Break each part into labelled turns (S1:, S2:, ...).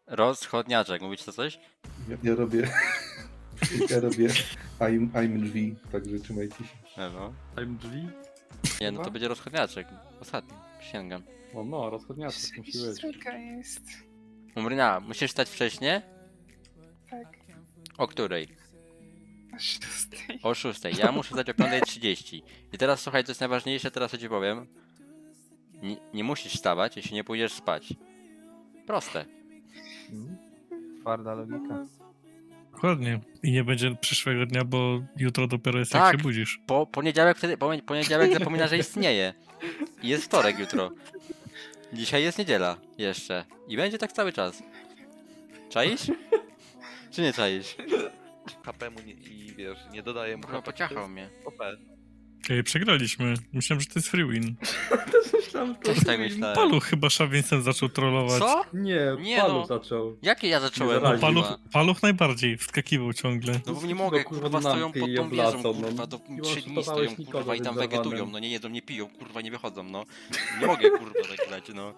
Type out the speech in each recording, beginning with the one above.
S1: Rozchodniaczek, mówić to coś?
S2: Ja robię... Ja robię... I'm drzwi, także trzymajcie się.
S1: No.
S3: Time drzwi?
S1: Nie, no to będzie rozchodniaczek. Ostatni, przysięgam.
S3: No, rozchodniaczek musi być.
S4: Trójka jest.
S1: Umryna, musisz stać wcześniej?
S4: Tak.
S1: O której?
S4: O 6.
S1: O 6. Ja muszę stać o 5:30. I teraz słuchaj, co jest najważniejsze, teraz co ci powiem. Nie musisz wstawać, jeśli nie pójdziesz spać. Proste.
S5: Twarda logika.
S6: Dokładnie. I nie będzie przyszłego dnia, bo jutro dopiero jest
S1: Tak.
S6: jak się budzisz.
S1: Poniedziałek wtedy, poniedziałek zapomina, że istnieje. I jest wtorek jutro. Dzisiaj jest niedziela jeszcze. I będzie tak cały czas. Czaisz? Czy nie czaisz?
S7: HP mu nie, i wiesz, nie dodaje mu
S1: Kurwa,
S7: HP.
S1: pociachał mnie.
S7: OP.
S6: Ej, przegraliśmy. Myślałem, że to jest free win.
S1: Też tak myślałem.
S6: Paluch chyba Szawincem zaczął trollować.
S1: Co?
S3: Nie,
S1: Nie
S3: Palu
S1: no.
S3: zaczął.
S1: Jakie ja zacząłem?
S3: zaraził.
S1: Kurwa?
S6: Paluch najbardziej wskakiwał ciągle.
S1: No bo nie mogę, kurwa, stoją
S3: namkę
S1: pod
S3: i
S1: tą wieżą,
S3: oblacą,
S1: kurwa,
S3: no.
S1: do
S3: I
S1: 3 dni
S3: oszukowałeś
S1: stoją,
S3: nikogo,
S1: kurwa, i tam
S3: więc
S1: wegetują,
S3: zawanem.
S1: no nie jedzą, nie piją, kurwa, nie wychodzą, no. Nie mogę, kurwa, tak grać, no.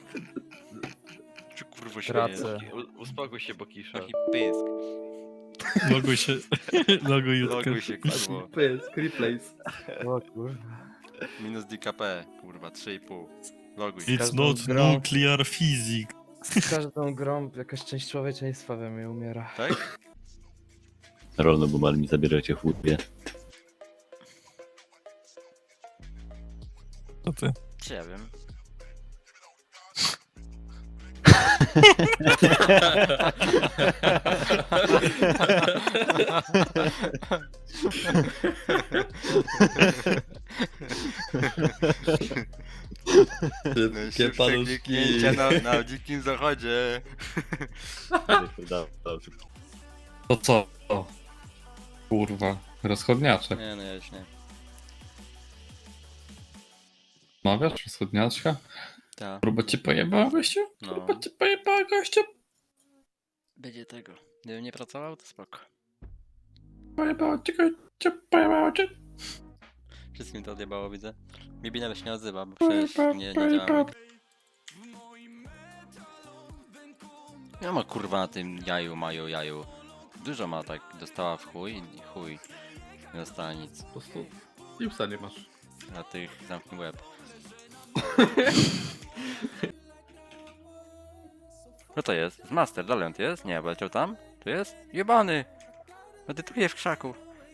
S1: Czy kurwa się
S5: Tracę.
S7: Uspokój się, Bokisza.
S1: Taki pysk.
S6: Loguj się. Loguj jutkę.
S1: Loguj się, kurwa.
S3: Pysk, replace.
S5: O kurwa.
S1: Minus DKP, kurwa, 3,5. Loguj się.
S6: It's
S5: Każdą
S6: not
S5: grą-
S6: nuclear physics.
S5: Z każdą grą jakaś część człowieczeństwa we mnie umiera.
S1: Tak?
S8: Rolno, bo mal mi zabieracie chłopie.
S6: To ty.
S1: Czy ja wiem?
S3: Szybkie paluszki.
S1: kliknięcia na dzikim zachodzie.
S3: To co? Kurwa, rozchodniaczek.
S1: Nie, no ja już nie.
S3: Mawiasz rozchodniaczka?
S1: Tak,
S3: Próba cię pojebała, gościu?
S1: no.
S3: Próba cię pojebała, gościu?
S1: Będzie tego. Gdybym nie pracował, to spoko.
S3: Pojebała cię, gościu, pojebała cię.
S1: Wszystkim to odjebało, widzę. Bibi nawet się nie odzywa, bo przecież nie działamy. Ja ma kurwa na tym jaju. Dużo ma tak, dostała w chuj i chuj. Nie dostała nic.
S3: Po prostu Liusa nie masz.
S1: Na tych zamknij łeb. Co to jest? Z Master, dalej on tu jest? Nie, bo leciał tam? Tu jest? Jebany! Medytuję w krzaku.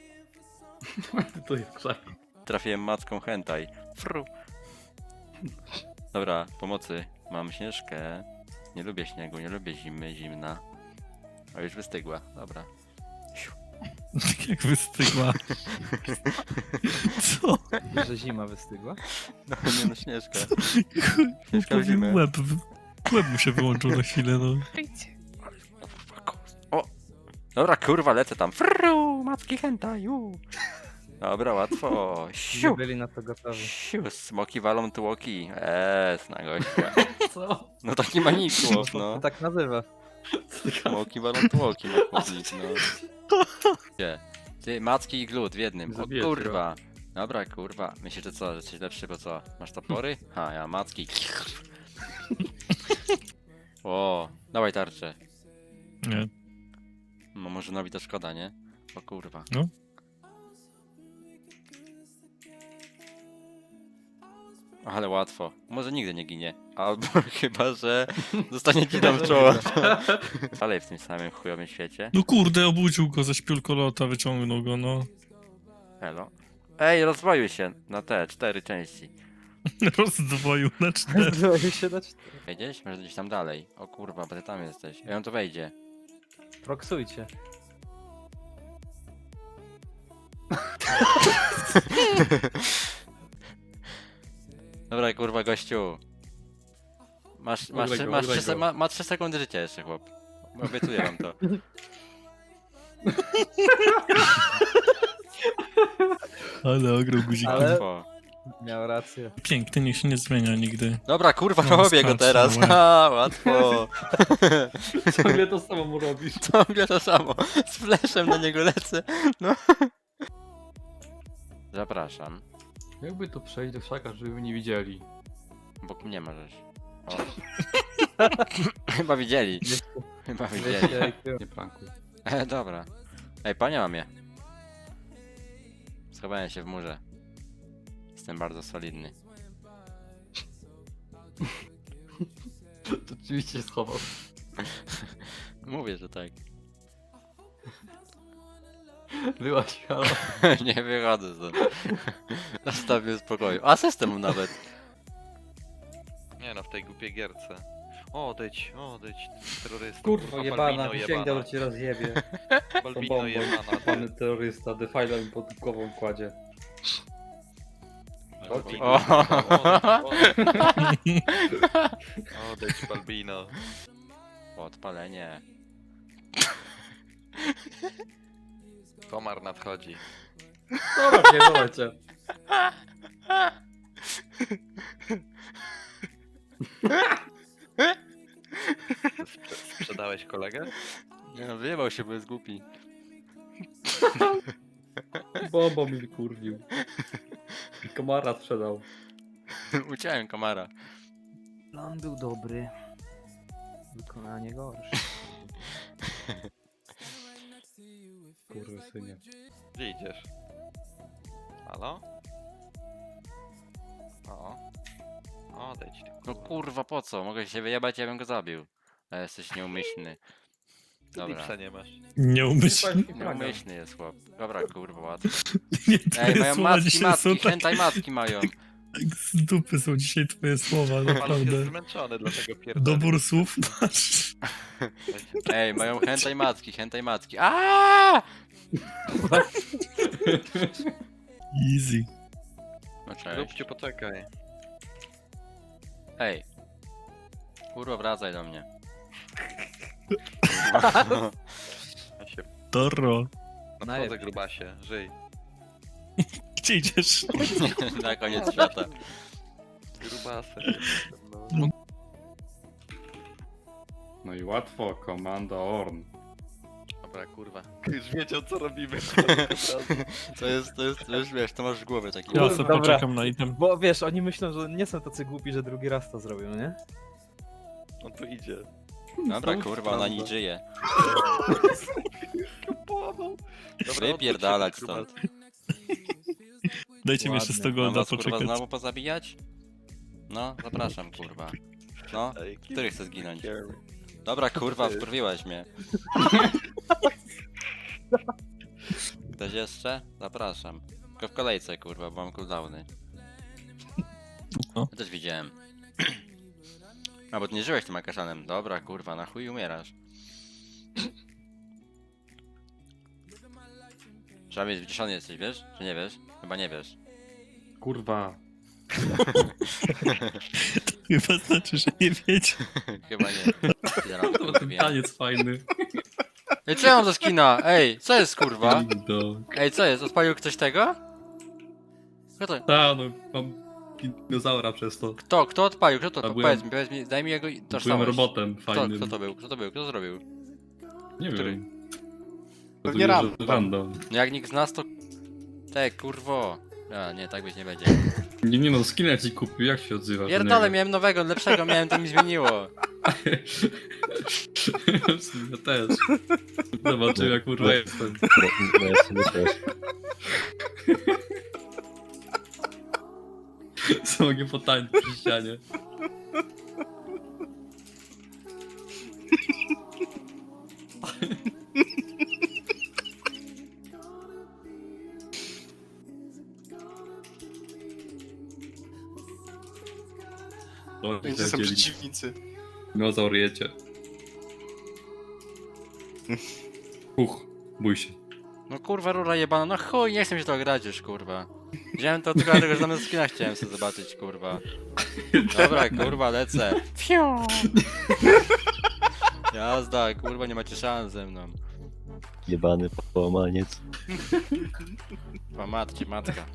S3: To jest krzak.
S1: Trafiłem macką hentai. Fru. Dobra, pomocy. Mam Śnieżkę. Nie lubię śniegu, nie lubię zimy, zimna. O, już wystygła, dobra.
S6: Jak wystygła. Co?
S5: Że zima wystygła?
S1: No nie no, Śnieżka. Śnieżka w
S6: Powiem
S1: zimę.
S6: łeb mu się wyłączył na chwilę, no.
S4: Wyjdźcie.
S1: O! Dobra, kurwa, lecę tam. Fru, macki hentaju. Dobra, łatwo.
S5: Nie
S1: Siu.
S5: byli na to gotowi.
S1: Siu, smoki walą tłoki. Na gościa.
S3: Co?
S1: No taki manikłop,
S5: To
S1: no.
S5: tak nazywa.
S1: Smoki walą tłoki, no chłopnik, no. Gdzie? Ty, macki i glut w jednym. O
S3: Zabijecie
S1: kurwa. Dobra, kurwa. Myślisz, że co, że jesteś lepszy, bo co? Masz topory? Ha, ja macki. O, dawaj tarczę.
S6: Nie.
S1: No może nowi to szkoda, nie? O kurwa.
S6: No.
S1: Ale łatwo. Może nigdy nie ginie. Albo chyba, że zostanie ci tam w czoło. Dalej w tym samym chujowym świecie.
S6: No kurde, obudził go ze śpiulkolota, wyciągnął go, no.
S1: Elo. Ej, rozwojuj się na te 4 części.
S6: Rozdwoił na 4.
S5: Zdrowił się na 4.
S1: Wejdziesz? Może gdzieś tam dalej. O kurwa, bo ty tam jesteś. I on tu wejdzie.
S5: Proksujcie.
S1: Dobra, kurwa, gościu. Ma 3 sekundy życia jeszcze, chłop. Obiecuję wam to.
S6: Ale ograł guzik.
S5: Ale-
S1: Łatwo.
S5: Miał rację.
S6: Piękny, niech się nie zmienia nigdy.
S1: Dobra, kurwa,
S6: No,
S1: robię go
S6: skacz,
S1: teraz.
S6: no,
S1: Ha, łatwo.
S3: Ciągle to samo mu robisz.
S1: Ciągle to samo. Z fleszem na niego lecę. No. Zapraszam.
S3: Jakby tu przejść do krzaka, żeby nie widzieli.
S1: Obok mnie możesz. O. Chyba widzieli. Chyba widzieli.
S5: 200 IQ.
S3: Nie prankuj.
S1: Dobra. Ej, panie mam je. Schowałem się w murze. Jestem bardzo solidny.
S3: To oczywiście schował.
S1: Mówię, że tak.
S3: Byłaś, halo.
S1: Nie wychodzę stąd. Zostaw mnie w spokoju. Asystę mam nawet.
S7: Nie no, w tej głupiej gierce. Odejdź, terrorysta.
S5: Kurwa jebana,
S7: Balbino
S5: sięga do cię rozjebie.
S7: Balbino jebana.
S5: Pan terrorysta, defajla mi pod głową kładzie.
S1: O.
S7: Odejdź, Balbino.
S1: Odpalenie.
S7: Komar nadchodzi.
S5: Dobra, pierdolę cię.
S7: Sprzedałeś kolegę?
S1: Nie no, wyjebał się, bo jest głupi.
S5: Bobo mi kurwił. I komara sprzedał.
S1: Uciąłem komara.
S5: Plan był dobry. Wykonanie gorsze.
S2: Kurwa, synie.
S7: Gdzie idziesz? Halo? O. Odejdź ty.
S1: No kurwa, po co? Mogę się wyjebać, ja bym go zabił. Ale jesteś nieumyślny. Dobra.
S7: Lipsa nie masz.
S6: Nieumyślnie.
S1: Nieumyślny jest chłop. Dobra, kurwa, łatwo.
S6: Nie,
S1: Ej,
S6: twoje
S1: mają
S6: słowa
S1: matki,
S6: dzisiaj są
S1: matki,
S6: tak,
S1: hentai matki mają.
S6: tak z dupy są dzisiaj twoje słowa,
S7: Paluch jest
S6: naprawdę.
S7: zmęczony, dlatego pierdolę.
S6: Dobór słów masz.
S1: Ej, mają hentai matki, hentai matki. Aaaa!
S6: Easy.
S1: No cześć.
S7: Róbcie, poczekaj.
S1: Ej. Kurwa, wracaj do mnie.
S7: Ja się
S6: Toro.
S7: nadchodzę, grubasie. Żyj.
S6: Gdzie idziesz?
S1: Na koniec świata.
S7: Grubasem.
S6: No.
S3: No i łatwo, komanda Orn.
S7: Dobra, kurwa. Już wiedział, co robimy.
S1: To jest, wiesz, to masz w głowie taki.
S6: Ja sobie
S5: Dobra.
S6: poczekam na item.
S5: Bo wiesz, oni myślą, że nie są tacy głupi, że drugi raz to zrobią, nie?
S7: On tu idzie.
S1: Dobra, kurwa, ona nie żyje.
S7: Dobra,
S1: Wypierdalać
S7: odwróć się,
S1: stąd.
S6: Dajcie mi jeszcze
S5: Ładnie.
S6: 100
S1: Mam
S6: golda
S1: was, kurwa,
S6: poczekać.
S1: znowu pozabijać? No, zapraszam, kurwa. No,
S7: Ej,
S1: który chce zginąć?
S7: care.
S1: Dobra, kurwa, wkurwiłaś mnie. Ktoś jeszcze? Zapraszam. Tylko w kolejce, kurwa, bo mam cooldowny.
S6: No.
S1: Ja też widziałem. A, bo ty nie żyłeś tym akaszanem. Dobra, kurwa, na chuj umierasz. Trzeba mieć wyciszony jesteś, wiesz? Czy nie wiesz? Chyba nie wiesz.
S3: Kurwa.
S6: Chyba znaczy, że nie wiecie.
S1: Chyba nie. Zaraz
S3: To ten taniec fajny.
S1: Ej, co ja mam za skina? Ej, co jest, kurwa?
S3: Do...
S1: Ej, co jest? Odpalił ktoś tego? Kto to?
S3: Ta, no, mam dinozaura przez to.
S1: Kto odpalił? Kto to?
S3: A
S1: To
S3: byłem-
S1: powiedz mi, daj mi jego
S3: Byłem
S1: tożsamość.
S3: robotem
S1: Kto,
S3: fajnym.
S1: kto to był? Kto to był? Kto to zrobił?
S3: Nie
S1: Który?
S3: wiem.
S2: Pewnie
S3: Rozumiem, że random.
S1: No jak nikt z nas to... Kurwo. A, nie, tak być nie będzie.
S3: Nie no, skinę ci kupił, jak się odzywasz? do
S1: Pierdolę,
S3: niego?
S1: miałem nowego, lepszego miałem, to mi zmieniło.
S3: W sumie ja też. Zobaczyłem jak kurwa jestem.
S8: No ja sobie też.
S3: Co mogę potańczyć przy ścianie.
S9: Gdzie są przeciwnicy?
S3: Dinozaur jecie. Bój się.
S1: No kurwa, rura jebana, no chuj, nie chcę mi się to grać już, kurwa. Wziąłem to tylko dlatego, że zamiast skina chciałem sobie zobaczyć, kurwa. Dobra, kurwa, lecę. Fiu. Jazda, kurwa, nie macie szans ze mną.
S8: Jebany połamaniec.
S1: Matcie, matka.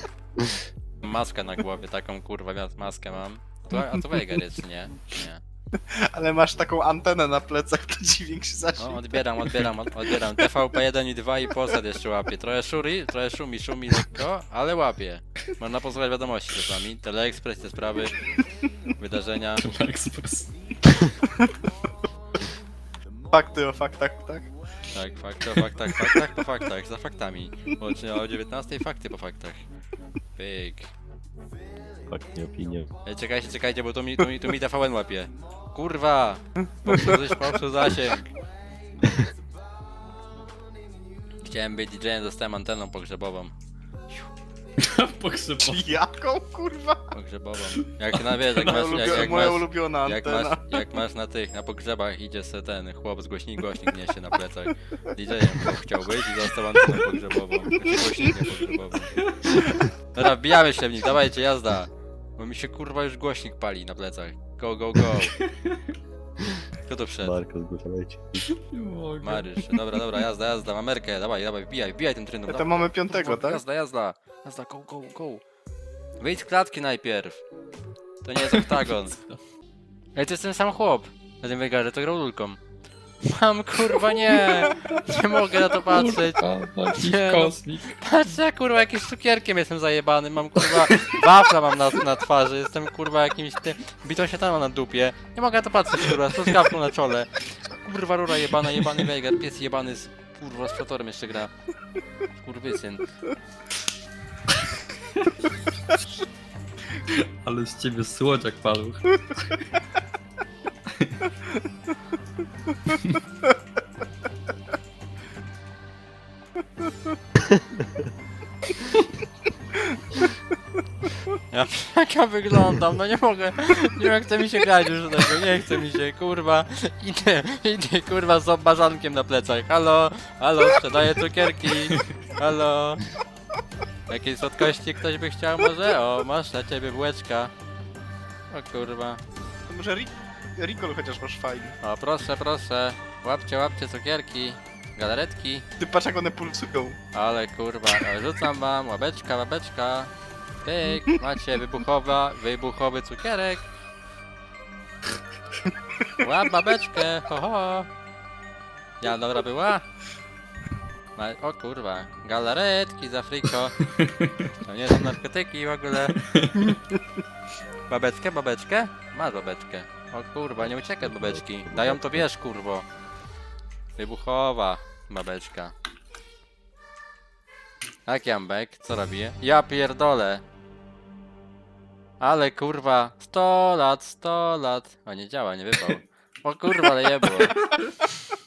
S1: Maskę na głowie, taką kurwa maskę mam. A to Veigar jest, czy nie? Nie.
S9: Ale masz taką antenę na plecach, to dźwięk się
S1: O,
S9: zacznie.
S1: odbieram. TVP1 i 2 i Polsat jeszcze łapie. Trochę szumi lekko, ale łapie. Można posłuchać wiadomości czasami. Teleekspres, te sprawy, wydarzenia.
S3: Express.
S9: Fakty o faktach, tak?
S1: Tak, fakty o faktach po faktach, za faktami. Łącznie o 19 fakty po faktach. Pyk.
S8: Fakt, nie opinie.
S1: Ej, czekajcie, bo tu mi TVN łapie. Kurwa! Popsuł zasięg. Chciałem być DJ-em, dostałem anteną pogrzebową.
S3: Pogrzebowy.
S9: Jaką, kurwa?
S1: Pogrzebową. Jak na wiesz, jak masz,
S9: Moja ulubiona
S1: jak
S9: antena.
S1: jak masz na pogrzebach, idzie se ten chłop z głośnik niesie na plecach. DJ-em chłop chciał być i dostał antenę pogrzebową. Głośnikiem pogrzebową. Dobra, wbijamy się w nich, dawajcie, jazda. Bo mi się kurwa już głośnik pali na plecach. Go, go, go. Kto to wszedł?
S8: Marko, zgłaszajcie.
S3: Nie mogę.
S1: Marysz. Dobra, jazda, mamerkę, dawaj, wbijaj tym trendem.
S9: To mamy piątego, tak?
S1: Jazda, go. Wyjdź z klatki najpierw. To nie jest oktagon. Ej, to jest ten sam chłop. Na tym wygarze, to grał lulką. Mam kurwa nie mogę na to patrzeć.
S3: Jakiś
S1: Nie, no.
S3: kosmik.
S1: Patrz, ja kurwa jakimś cukierkiem jestem zajebany, mam kurwa wafla mam na twarzy, jestem kurwa jakimś tym bitą śmietaną na dupie. Nie mogę na to patrzeć kurwa, z truskawką na czole. Kurwa rura jebana, jebany wejgar, pies jebany z kurwa z flotorem jeszcze gra. Kurwysyn.
S3: Ale z ciebie słodziak paluch.
S1: Jak ja wyglądam, no nie mogę, nie chce mi się grać już do tego, nie chce mi się, kurwa, idę kurwa z obbażankiem na plecach, halo, sprzedaję cukierki, halo, jakiej słodkości ktoś by chciał może? O, masz dla ciebie bułeczka, o kurwa,
S9: To może Ricol chociaż masz fajny.
S1: o proszę, łapcie cukierki, galaretki,
S9: Ty patrz jak one pulsują.
S1: ale kurwa, rzucam wam, łapeczka, pyk, macie wybuchowy cukierek. Łap babeczkę, ho ho. Ja dobra była? O kurwa, galaretki za friko. To nie są narkotyki w ogóle. Babeczkę? Masz babeczkę. O kurwa, nie uciekaj od babeczki. Dają to wiesz kurwo. Wybuchowa babeczka. Tak, Jambek, co robi? Ja pierdolę. Ale kurwa, 100 lat. O, nie działa, nie wypał. O kurwa, ale jebło.